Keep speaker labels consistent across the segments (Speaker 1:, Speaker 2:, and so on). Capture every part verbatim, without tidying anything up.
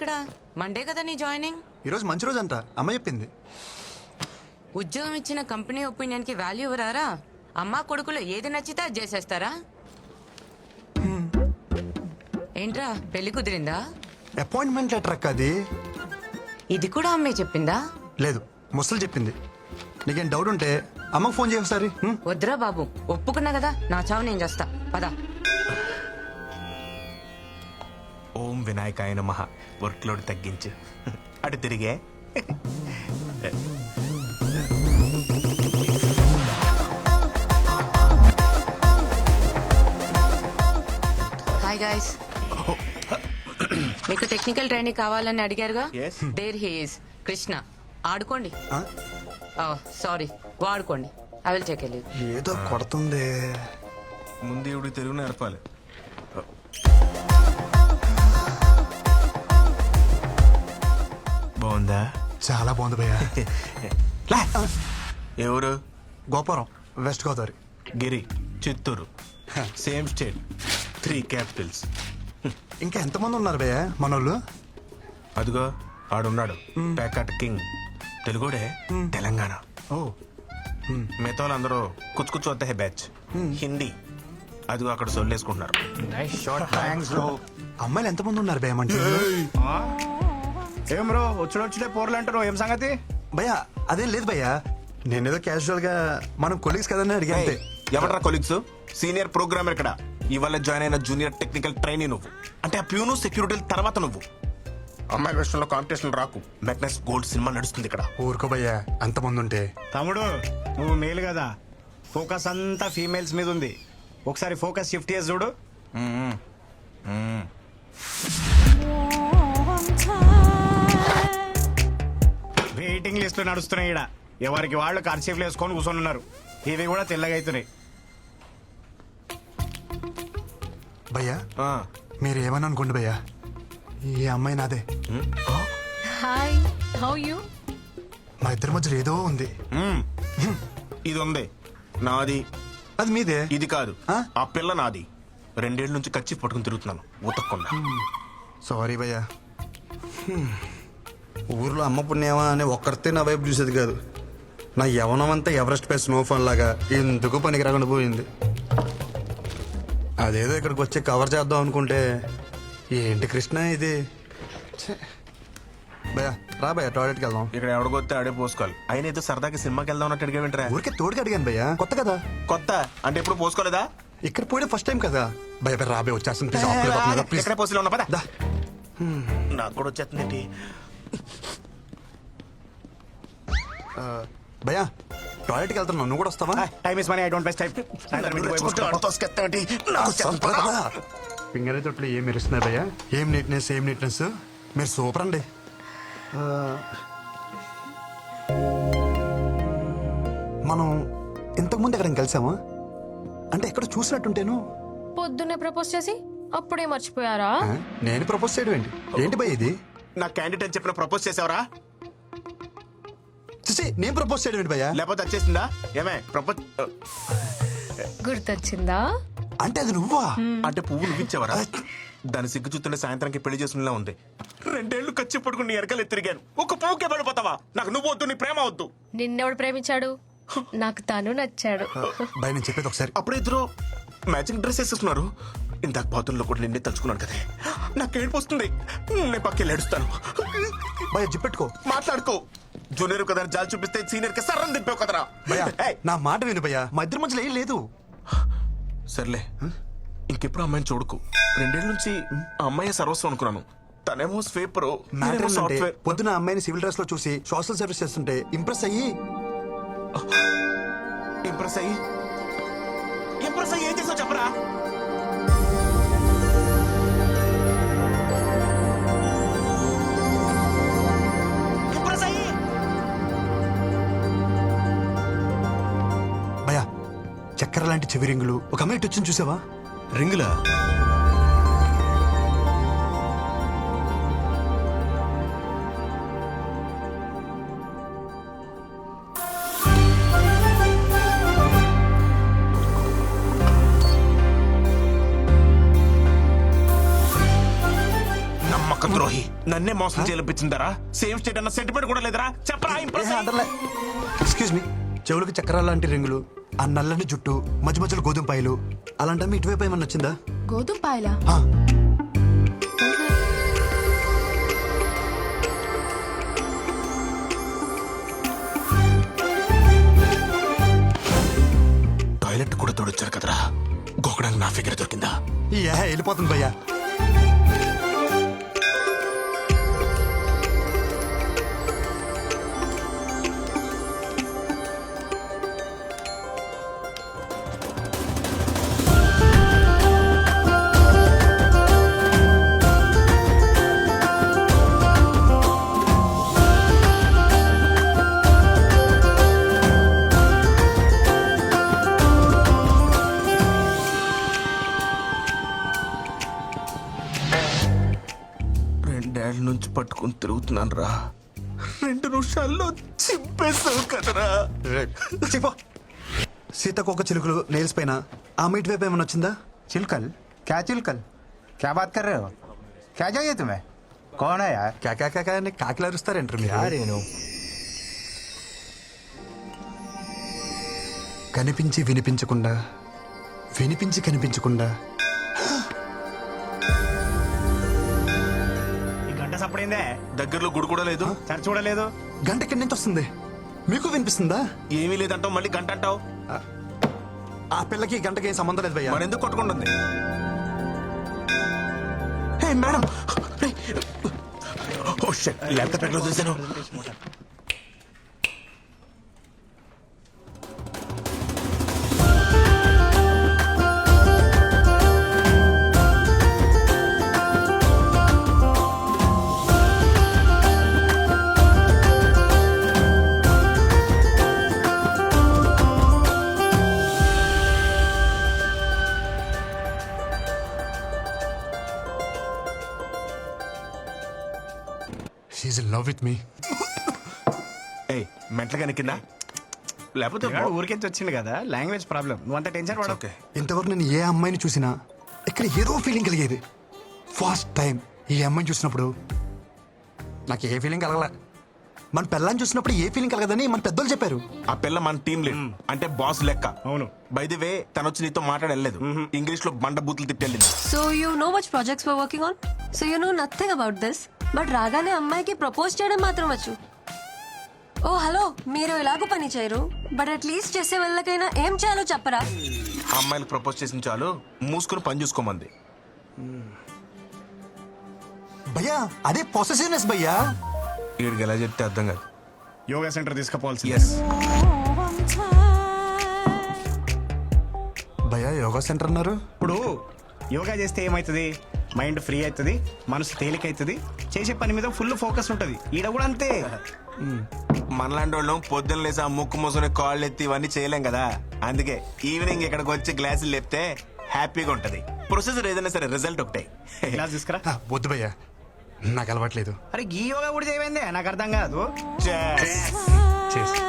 Speaker 1: ఎక్కడ? మండే కదా నీ జాయినింగ్.
Speaker 2: ఈరోజు మంచి రోజు అంట, అమ్మ చెప్పింది.
Speaker 1: ఉద్యోగం ఇచ్చిన కంపెనీ ఒపీనియన్ కి వాల్యూ ఇవ్వరారా? అమ్మా కొడుకులు ఏది నచ్చితే అది చేసేస్తారా? ఏంట్రా పెళ్లి కుదిరిందా?
Speaker 2: అపాయింట్మెంట్ లెటర్ అక్క అది.
Speaker 1: ఇది కూడా అమ్మే చెప్పిందా?
Speaker 2: లేదు, ముసలు చెప్పింది. నీకేం డౌట్ ఉంటే అమ్మకు ఫోన్ చేయ ఒకసారి.
Speaker 1: వద్దురా బాబు, ఒప్పుకున్నా కదా, నా చావు నేను చేస్తా. పదా.
Speaker 3: ఓం వినాయకాయ నమః. వర్క్ లోడ్ తగ్గించు. అటు తిరిగే.
Speaker 1: Hi guys. మీకు టెక్నికల్ ట్రైనింగ్ కావాలని అడిగారుగా. There he is Krishna. ఆడుకోండి. సారీ, వాడుకోండి. I will take leave.
Speaker 2: ఏదో కొడుతుంది.
Speaker 3: ముందు ఇవి తెలుగు నేర్పాలి. బాగుందా?
Speaker 2: చాలా బాగుంది భయ్యా.
Speaker 3: ఎవరు?
Speaker 2: Gopuram, West Godavari.
Speaker 3: Giri, Chittoor. Same state, three capitals.
Speaker 2: ఇంకా ఎంతమంది ఉన్నారు భయ్యా మనోళ్ళు?
Speaker 3: అదిగో ఆడున్నాడు, ప్యాకట్ కింగ్. తెలుగుడే, తెలంగాణ.
Speaker 2: ఓ,
Speaker 3: మిగతా వాళ్ళందరూ కుచ్చు కుచ్చు వద్ద బ్యాచ్. హిందీ. అదిగో అక్కడ సొల్లేసుకుంటున్నారు.
Speaker 2: అమ్మాయిలు ఎంతమంది ఉన్నారు భయ్యా మంచి?
Speaker 4: ఏం బ్రో వచ్చి వచ్చినే పోర్లు అంటారు, ఏం సంగతి?
Speaker 2: భయ్యా అదేం లేదు భయ్యా, నేనేదో క్యాజువల్ గా మనం కొలీగ్స్ కదని అడిగా అంతే.
Speaker 3: ఎవరా కొలీగ్స్? సీనియర్ ప్రోగ్రామర్ ఇక్కడ. ఇవాళ జాయిన్ అయిన జూనియర్ టెక్నికల్ ట్రైనీ నువ్వు. అంటే ఆ ప్యూను సెక్యూరిటీ తర్వాత నువ్వు. అమ్మాయిల విషయంలో కాంపిటీషన్ రాకు. మెగ్నస్ గోల్డ్ సినిమా నడుస్తుంది ఇక్కడ.
Speaker 2: ఊరుకో భయ్యా, అంతమంది ఉంటే.
Speaker 4: తమ్ముడు నువ్వు మేలు కదా, ఫోకస్ అంతా ఫీమేల్స్ మీద ఉంది. ఒకసారి ఫోకస్ షిఫ్ట్ చేసి చూడు. వెయిటింగ్ లిస్ట్ నడుస్తున్నాయి ఈడ. ఎవరికి వాళ్ళు కర్చీఫ్లు వేసుకొని కూర్చొని ఉన్నారు. ఇవి కూడా తెల్లగా అవుతున్నాయి.
Speaker 2: భయ్యా మీరు ఏమని అనుకోండి భయ్యా, ఈ అమ్మాయి నాదే.
Speaker 5: Hi, how you?
Speaker 2: మా ఇద్దరి మధ్యలో ఏదో ఉంది.
Speaker 3: ఇది ఉంది నాది.
Speaker 2: అది మీదే.
Speaker 3: ఇది కాదు, ఆ పిల్ల నాది. రెండేళ్ల నుంచి కచ్చి పట్టుకుని తిరుగుతున్నాను ఉతక్కుండా.
Speaker 2: సారీ భయ్యా. ఊర్లో అమ్మ పుణ్యమా అని ఒక్కరితే నా వైపు చూసేది కాదు. నా యవనం అంతా ఎవరెస్ట్ పై స్నోఫాన్ లాగా ఎందుకు పనికి రాకుండా పోయింది. అదేదో ఇక్కడికి వచ్చి కవర్ చేద్దాం అనుకుంటే ఏంటి కృష్ణ ఇది. భయ్యా రా భయ్యా, టాయిలెట్కి వెళ్దాం.
Speaker 3: ఇక్కడ ఎవడికొస్తే ఆడే పోసుకోవాలి. అయినా ఏదో సరదాకి సినిమాకి వెళ్దాం అన్నట్టు అడిగా వింటరా?
Speaker 2: ఊరికే తోడుకి అడిగాను భయ్యా, కొత్త కదా.
Speaker 3: కొత్త అంటే ఎప్పుడు పోసుకోలేదా?
Speaker 2: ఇక్కడ పోయడం ఫస్ట్ టైం కదా. భయ రాబే వచ్చేస్తుంది ప్లీజ్. ప్లీజ్
Speaker 3: ఎక్కడ పోసిలో ఉన్నా పదా. నాకు కూడా వచ్చేస్తుంది.
Speaker 2: భయ్యా టాయిలెట్కి వెళ్తున్నావు, నువ్వు కూడా వస్తావా?
Speaker 4: Time is money, I don't waste time.
Speaker 2: Finger తొట్లు ఏం మెరుస్తున్నాయి భయ్యా. ఏం నీట్నెస్, ఏం నీట్నెస్. మీరు సూపర్ అండి. మనం ఇంతకుముందు ఎక్కడ కలిసామా? అంటే ఎక్కడ చూసినట్టుంటేను.
Speaker 5: పొద్దున్నే ప్రపోజ్ చేసి అప్పుడే మర్చిపోయారా?
Speaker 2: నేను ప్రపోజ్ చేయడం ఏంటి? ఏంటి భయ్ ఇది?
Speaker 3: నా క్యాండిడేట్ అని చెప్పిన ప్రపోజ్ చేసావరా?
Speaker 2: నేను ప్రపోజ్ చేయడం ఏంటి భయ్యా?
Speaker 3: లేకపోతే వచ్చేసిందా? ఏమే ప్రపోజ్
Speaker 5: గుర్తొచ్చిందా?
Speaker 2: అంటే అది నువ్వా?
Speaker 3: అంటే పువ్వు నువ్విచ్చావరా? దాని సిగ్గు చూస్తుంటే సాయంత్రానికి పెళ్లి చేసుకునేలా ఉంది. రెండేళ్లు ఖర్చు పడుకుని ఎరకలు తిరిగాను. ఒక పువ్వుకే పడిపోతావా? నాకు నువ్వు వద్దు, నీ ప్రేమ వద్దు.
Speaker 5: నిన్నెవడు ప్రేమించాడు? నాకు తను నచ్చాడు.
Speaker 2: భయ నేను చెప్పేది ఒకసారి.
Speaker 3: అప్పుడే ఇద్దరు మ్యాచింగ్ డ్రెస్ వేసేస్తున్నారు. ఇందాక బాతుల్లో కూడా నిన్నే తలుచుకున్నాను కదా. నాకు ఏడుపు వస్తుంది. నేను పక్కకి ఏడుస్తాను.
Speaker 2: భయ జిప్పెట్టుకో,
Speaker 3: మాట్లాడుకో. జూనియర్ కదా జాలి చూపిస్తే సీనియర్ కి సర్రం దింపావు కదరా.
Speaker 2: నా మాట విను భయ్యా, మా ఇద్దరి మధ్యలో ఏం లేదు.
Speaker 3: సర్లే, ఇంకెప్పుడు అమ్మాయిని చూడకు. రెండేళ్ల నుంచి ఆ అమ్మాయి సర్వస్వం అనుకున్నాను. తనేమో స్వీపర్, సాఫ్ట్వేర్.
Speaker 2: పొద్దున అమ్మాయిని సివిల్ డ్రెస్ లో చూసి సోషల్ సర్వీస్ చేస్తుంటే ఇంప్రెస్ అయ్యి
Speaker 3: ఇంప్రెస్ అయ్యి ఇంప్రెస్ అయ్యి ఏం చేసావు చెప్పరా? ఇంప్రెస్ అయ్యి
Speaker 2: భయ్యా చక్కెర లాంటి చెవి రింగులు ఒక అమ్మాయి వచ్చింది చూసావా?
Speaker 3: రింగులా? నమ్మక ద్రోహి. నన్నే మోసం చేయాలనిపించిందరా? సేమ్ స్టేట్ అన్న సెంటిమెంట్ కూడా లేదరా? చెప్పరా ఇంప్రెస్ అయ్యి.
Speaker 2: ఎక్స్క్యూజ్ మీ, చెవులకి చక్రాల లాంటి రింగులు, ఆ నల్లని జుట్టు, మధ్య మధ్యలో గోధుమ పాయలు, అలాంటి ఇటువైపు ఏమన్నా వచ్చిందా?
Speaker 5: గోధుమ పాయలా?
Speaker 2: ఆ,
Speaker 3: టాయిలెట్ కూడా తోడొచ్చారు కదరా, గోకడానికి నా ఫిగర్ దొరికిందా?
Speaker 2: ఈ ఏ వెళ్ళిపోతుంది భయ్యా.
Speaker 3: రెండేళ్ల నుంచి పట్టుకుని తిరుగుతున్నాను రా, రెండు నిమిషాల్లో చింపేసావు కదరా.
Speaker 2: చెప్పు. సీతకొక చిలుకలు నేల్స్ పైన ఆమె ఇటువైపు ఏమన్నా వచ్చిందా?
Speaker 6: चिलकल? क्या चिलकल? क्या बात कर रहे हो? क्या चाहिए तुम्हें? कौन है यार?
Speaker 2: కాకా కాకా అని కాకిలు అరుస్తారంటారు మీరు. కనిపించి వినిపించకుండా, వినిపించి కనిపించకుండా.
Speaker 4: ఈ గంట సప్పుడైందే,
Speaker 3: దగ్గరలో గుడి కూడా లేదు,
Speaker 4: సరి చూడలేదు.
Speaker 2: గంట ఎక్కడి నుంచి వస్తుంది? మీకు వినిపిస్తుందా?
Speaker 3: ఏమీ లేదంటావు, మళ్ళీ గంట అంటావు.
Speaker 2: ఆ పిల్లకి గంటకి ఏం సంబంధం లేదు భయ్యా.
Speaker 3: మరెందుకు కొట్టుకుంటుంది? Hey madam, oh shit, laptop ఎక్కడ చూసాను?
Speaker 2: She in love with me.
Speaker 3: ఏయ్, మెంటలుగా కింద లేకపోతే
Speaker 4: పిల్లాడు ఊరికెంచి వచ్చింది కదా, లాంగ్వేజ్ ప్రాబ్లం, నువ్వు అంత టెన్షన్ పడవు.
Speaker 3: ఓకే.
Speaker 2: ఇంతవరకు నేను ఏ అమ్మాయిని చూసినా ఇక్కడ ఏదో ఫీలింగ్ కలిగేది. ఫస్ట్ టైం ఈ అమ్మాయిని చూసినప్పుడు నాకు ఏ ఫీలింగ్ కలగలే. మన పిల్లని చూసినప్పుడు ఏ ఫీలింగ్ కలగదని మన పెద్దోళ్ళు చెప్పారు.
Speaker 3: ఆ పిల్ల మన టీం లీడ్, అంటే బాస్ లెక్క.
Speaker 4: అవును.
Speaker 3: బై ది వే, తను వచ్చి నీతో మాట్లాడలేదు, ఇంగ్లీష్ లో బండ బూతులు తిట్టెళ్ళింది.
Speaker 7: So you know which projects we're working on? So you know nothing about this. But రాగానే అమ్మాయికి ప్రపోజ్ చేయడం మాత్రం వచ్చు. ఓ హలో, మీరు ఎలాగో పని చేయరు, బట్ అట్లీస్ట్ చేసే వాళ్ళకైనా ఏం చేయాలో చెప్పరా?
Speaker 3: అమ్మాయిలకు ప్రపోజ్ చేసిన చాలు, మూసుకుని పని చూసుకోమంది.
Speaker 2: భయ్యా అదే పొసెసివ్నెస్ భయ్యా.
Speaker 3: వీడికి ఎలా చెప్తే అర్థం కాదు.
Speaker 4: Yoga centre తీసుకుపోవాల్సి.
Speaker 3: ఎస్,
Speaker 2: భయ్యా యోగా సెంటర్ అన్నారు.
Speaker 4: ఇప్పుడు యోగా చేస్తే ఏమవుతుంది? మైండ్ ఫ్రీ అవుతుంది, మనసు తేలిక అవుతుంది, చేసే పని మీద ఫుల్ ఫోకస్ ఉంటుంది. ఈడ కూడా అంతే.
Speaker 3: మనలాంటి వాళ్ళం పొద్దున్న లేసి ఆ ముక్కు మూసుకుని కాళ్ళు ఎత్తి ఇవన్నీ చేయలేం కదా. అందుకే ఈవినింగ్ ఇక్కడికి వచ్చి గ్లాసులు లేపితే హ్యాపీగా ఉంటది. ప్రొసెసర్ ఏదైనా సరే రిజల్ట్ ఒకటే.
Speaker 4: క్లాస్ తీసుకురా.
Speaker 2: ఆ, వద్దు భయ్యా, నాకు అలవాట్లేదు.
Speaker 4: అరే ఈ యోగా కూడా చేయమైందే, నాకు అర్థం కాదు.
Speaker 2: చేసి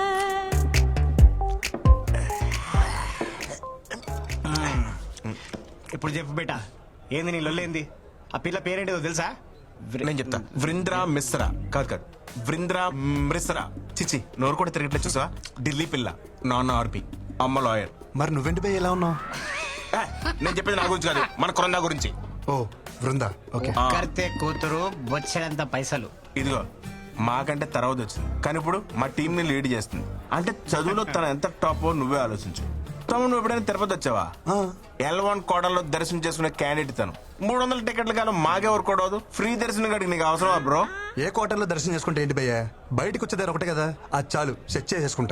Speaker 4: ఇప్పుడు చెప్పు బేటా, ఏంది నీ లొల్లేంది? ఆ పిల్ల పేరేంటిదో తెలుసా?
Speaker 3: నేను చెప్తా. వృంద్రా మిశ్రా. కాదు కాదు, వృంద్రా మిశ్రా. చిచి, నోరు కూడా తిరగట్లేదు చూసా. ఢిల్లీ పిల్ల, నాన్న ఆర్పి, అమ్మ లాయర్.
Speaker 2: మరి నువ్వెంటి భయ్య ఎలా ఉన్నావు?
Speaker 3: ఏ, నేను చెప్పేది నా గురించి కాదు, మన కొరందా గురించి.
Speaker 2: ఓ బృందా, ఓకే.
Speaker 3: ఆ,
Speaker 4: కడితే కూతురు బొచ్చడంత పైసలు.
Speaker 3: ఇదిగో మాకంటే తర్వాత వచ్చింది, కానీ ఇప్పుడు మా టీం ని లీడ్ చేస్తుంది. అంటే చదువులో తను ఎంత టాప్ నువ్వే ఆలోచించు. తమ్ముడు నువ్వు ఎప్పుడైనా తిరుపతి వచ్చావా?
Speaker 2: ఆ.
Speaker 3: ఎల్ వన్ కోటలో దర్శనం చేసుకునే క్యాండిడేట్ తను. మూడు వందల టికెట్లు కానీ మాకెవరు కొడవదు. ఫ్రీ దర్శనం కాడికి నీకు అవసరమా బ్రో?
Speaker 2: ఏ క్వార్టర్లో దర్శనం చేసుకుంటే ఏంటి భయ్యా, బయటకు వచ్చేదారు ఒకటే కదా, అది చాలు సెట్ చేసేసుకుంటా.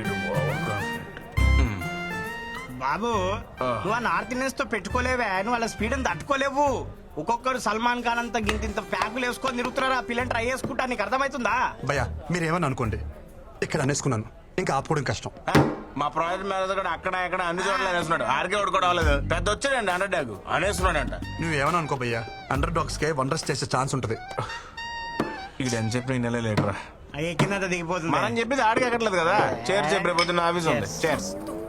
Speaker 4: బాబు నువ్వు ఆ నార్త్ ఇండియన్స్ తో పెట్టుకోలేవే, నువ్వు వాళ్ళ స్పీడ్ అని తట్టుకోలేవు. ఒక్కొక్కరు సల్మాన్ ఖాన్ అంత గింత ప్యాకులు వేసుకొని తిరుగుతున్నారు. ఆ పిల్లని ట్రై చేసుకుంటా, నీకు అర్థమవుతుందా?
Speaker 2: భయ్యా మీరేమని అనుకోండి, ఇక్కడ అనేసుకున్నాను, ఇంకా ఆపుకోవడం కష్టం.
Speaker 3: ఆ, మా ప్రాజెక్ట్ మేనేజర్ కూడా అక్కడ ఇక్కడ అన్ని చోట్ల అనేస్తున్నాడు. ఆరికే కూడా అవ్వలేదు, పెద్ద వచ్చాడండి అండర్ డాగ్ అనేస్తున్నాడంట.
Speaker 2: నువ్వేమని అనుకో భయ్యా, అండర్ డాగ్స్ కే వండర్స్ చేసే ఛాన్స్ ఉంటుంది.
Speaker 3: ఇక్కడ ఎంత చెప్పిన నెల లేటరా,
Speaker 4: అయ్యే కింద దిగిపోతుంది.
Speaker 3: మనం చెప్పేది ఆడికి ఎక్కట్లేదు కదా. చేర్స్ చెప్పి రేపు పొద్దున్న ఆఫీస్ ఉంది. చేర్స్.